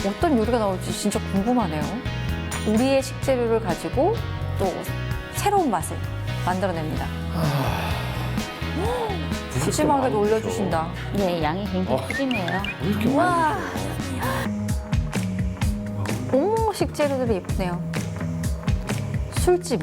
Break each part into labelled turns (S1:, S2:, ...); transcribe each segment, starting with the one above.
S1: 어떤 요리가 나올지 진짜 궁금하네요. 우리의 식재료를 가지고 또 새로운 맛을 만들어냅니다. 푸짐하게도 올려주신다.
S2: 네, 양이 굉장히 푸짐해요.
S3: 왜 이렇게
S1: 와.
S3: 많이
S1: 어머, 식재료들이 예쁘네요. 술찜.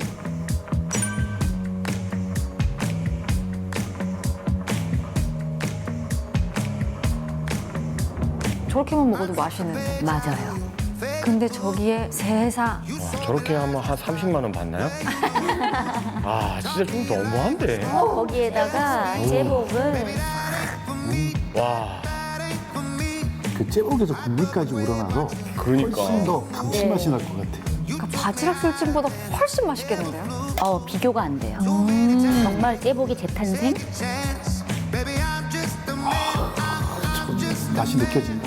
S1: 저렇게만 먹어도 맛있는데.
S2: 맞아요.
S1: 근데 저기에 세상.
S3: 와, 저렇게 하면 한 30만 원 받나요? 아, 진짜 좀 너무한데.
S2: 거기에다가 제복을
S3: 와,
S4: 그 제복에서 국물까지 우러나서
S3: 그러니까.
S4: 훨씬 더 감칠맛이 날 것 같아요.
S1: 그러니까 바지락 술찜보다 훨씬 맛있겠는데요?
S2: 비교가 안 돼요. 정말 제복의 재탄생?
S4: 맛이 느껴진다.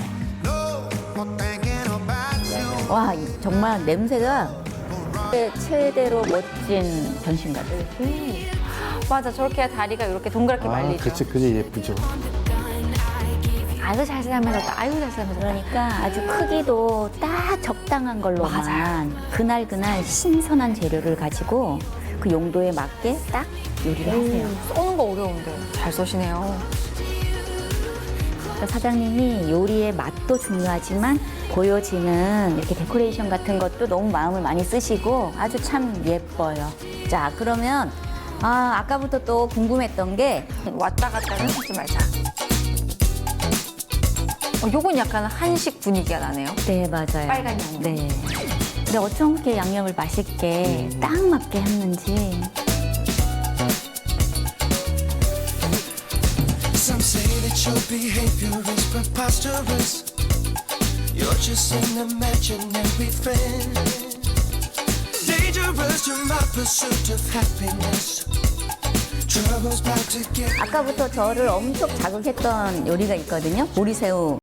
S2: 와, 정말 냄새가 최대로 멋진 변신 같아요.
S1: 맞아, 저렇게 다리가 이렇게 동그랗게 말리죠.
S4: 그치, 그게 예쁘죠.
S1: 아유, 잘 삶아졌다. 아유, 잘 삶아졌다.
S2: 그러니까 아주 크기도 딱 적당한 걸로만
S1: 맞아요.
S2: 그날 신선한 재료를 가지고 그 용도에 맞게 딱 요리를 하세요.
S1: 써는 거 어려운데 잘 써시네요.
S2: 그러니까 사장님이 요리의 맛도 중요하지만 보여지는 이렇게 데코레이션 같은 것도 너무 마음을 많이 쓰시고 아주 참 예뻐요. 자, 그러면 아까부터 또 궁금했던 게
S1: 왔다 갔다는 하지 말자. 요건 약간 한식 분위기가 나네요.
S2: 네, 맞아요.
S1: 빨간 양념.
S2: 네. 근데 어떻게 양념을 맛있게 딱 맞게 했는지.
S5: Some say that your behavior is preposterous. You're just an imaginary friend. Dangerous to my pursuit of happiness. Trouble's about to get.
S2: 아까부터 저를 엄청 자극했던 요리가 있거든요. 보리새우.